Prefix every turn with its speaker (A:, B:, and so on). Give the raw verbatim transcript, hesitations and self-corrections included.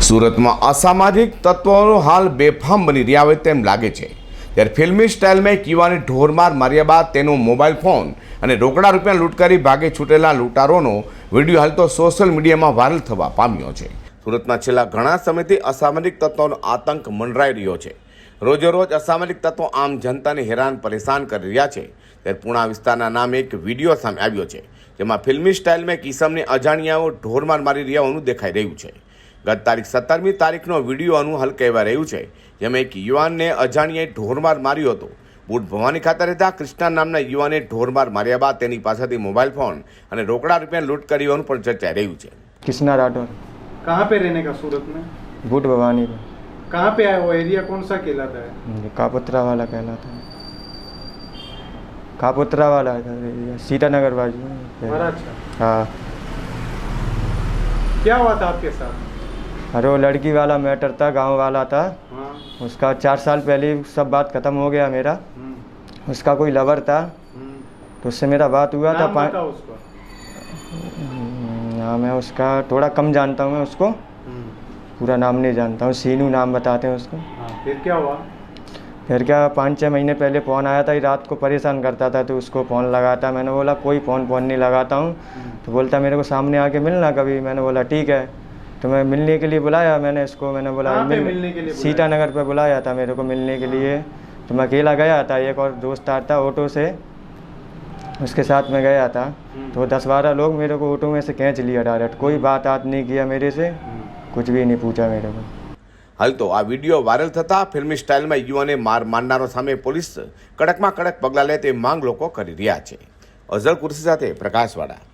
A: સુરતમાં અસામાજિક તત્વોનો હાલ બેફામ બની રહ્યા હોય તેમ લાગે છે। ત્યારે ફિલ્મી સ્ટાઇલમાં એક યુવાને ઢોરમાર માર્યા બાદ તેનો મોબાઈલ ફોન અને રોકડા રૂપિયા લૂંટ કરી ભાગે છૂટેલા લૂંટારોનો વિડીયો હાલ તો સોશિયલ મીડિયામાં વાયરલ થવા પામ્યો છે। સુરતમાં છેલ્લા ઘણા સમયથી અસામાજિક તત્વોનો આતંક મંડરાઈ રહ્યો છે। રોજે રોજ અસામાજિક તત્વો આમ જનતાને હેરાન પરેશાન કરી રહ્યા છે। ત્યારે પુણા વિસ્તારના નામે એક વિડીયો સામે આવ્યો છે, જેમાં ફિલ્મી સ્ટાઇલમાં એક ઈસમને અજાણ્યાઓ ઢોરમાર મારી રહ્યા હોવાનું દેખાઈ રહ્યું છે। ગત તારીખ સત્તરમી તારીખનો વિડીયોનું હલ કહેવાય રહ્યું છે, જેમાં એક યુવાનને અજાણ્યાએ ઢોરમાર માર્યો હતો। બુટ ભવાની ખાતે રહેતા કૃષ્ણા નામના યુવાને ઢોરમાર માર્યા બાદ તેની પાસેથી મોબાઈલ ફોન અને રોકડા રૂપિયા લૂંટ કરી હોવાનું પણ ચર્ચાઈ રહ્યું છે।
B: कृष्णा राठौर।
C: कहाँ पे रहने का सूरत में?
B: बूट भवानी में।
C: कहाँ पे आया वो एरिया कौन सा कहलाता है?
B: कापुत्रा वाला कहलाता है। कापुत्रा वाला है सीतानगर बाजू।
C: महाराष्ट्र।
B: हाँ।
C: क्या हुआ था आपके साथ?
B: अरे वो लड़की वाला मैटर था, गांव वाला था।
C: हाँ।
B: उसका चार साल पहले सब बात ख़त्म हो गया मेरा। उसका कोई लवर था, तो उससे मेरा बात हुआ था।
C: नाम बताओ उसका।
B: हाँ, मैं उसका थोड़ा कम जानता हूँ, मैं उसको पूरा नाम नहीं जानता हूँ। सीनू नाम बताते हैं उसको।
C: हाँ, फिर क्या हुआ?
B: फिर क्या, पाँच छः महीने पहले फ़ोन आया था, रात को परेशान करता था, तो उसको फ़ोन लगाता। मैंने बोला कोई फ़ोन फ़ोन नहीं लगाता हूँ। तो बोलता मेरे को सामने आके मिलना कभी। मैंने बोला ठीक है। तो मैं मिलने के लिए बुलाया मैंने इसको। मैंने बोला
C: कहाँ पे
B: मिल
C: मिलने के लिए बुलाया?
B: सीतानगर पे बुलाया था मेरे को मिलने के लिए। तो मैं अकेला गया था, एक और दोस्त आता था ऑटो से, उसके साथ में गया था। तो दस बारह लोग मेरे को ऑटो में से खींच लिया डायरेक्ट। कोई बात आत नहीं किया मेरे से, कुछ भी नहीं पूछा मेरे को।
A: હાલ તો આ વિડીયો વાયરલ થતા ફિલ્મી સ્ટાઇલમાં યુવાને માર મારનારો સામે પોલીસ કડકમાં કડક પગલાં લે તે માંગ લોકો કરી રહ્યા છે। અઝર કુર્સી સાથે પ્રકાશવાળા।